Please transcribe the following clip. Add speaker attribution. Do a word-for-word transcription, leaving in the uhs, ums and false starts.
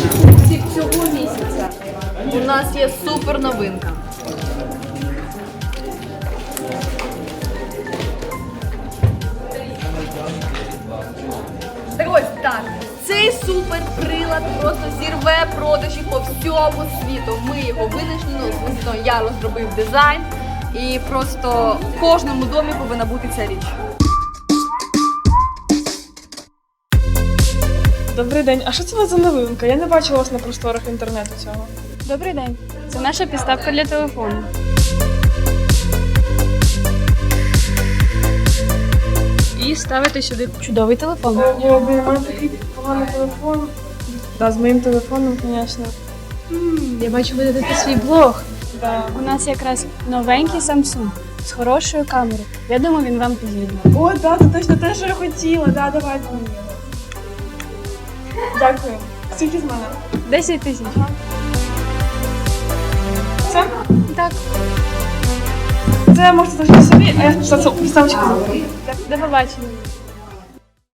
Speaker 1: найкращих курсів цього місяця. У нас є супер новинка. Так ось так. Цей супер прилад просто зірве продажі по всьому світу. Ми його винайшли, ну, звісно, я розробив дизайн. І просто в кожному домі повинна бути ця річ.
Speaker 2: Добрий день. А що це у вас за новинка? Я не бачила вас на просторах інтернету цього.
Speaker 3: Добрий день. Це наша підставка для телефону. І ставите сюди чудовий телефон.
Speaker 2: Ого, блін, у мене такий поганий телефон. Да, з моїм телефоном, звісно.
Speaker 3: Я бачу, ви дадете свій блог.
Speaker 2: Да.
Speaker 3: У нас якраз новенький Samsung з хорошою камерою. Я думаю, він вам підійде.
Speaker 2: О, да, це точно те, що я хотіла. Да, давайте мені його. Дякую. Скільки з мене?
Speaker 3: десять тисяч.
Speaker 2: Це?
Speaker 3: Так.
Speaker 2: Це можете залишити собі, а я спочатку підставочку заберу.
Speaker 3: До побачення.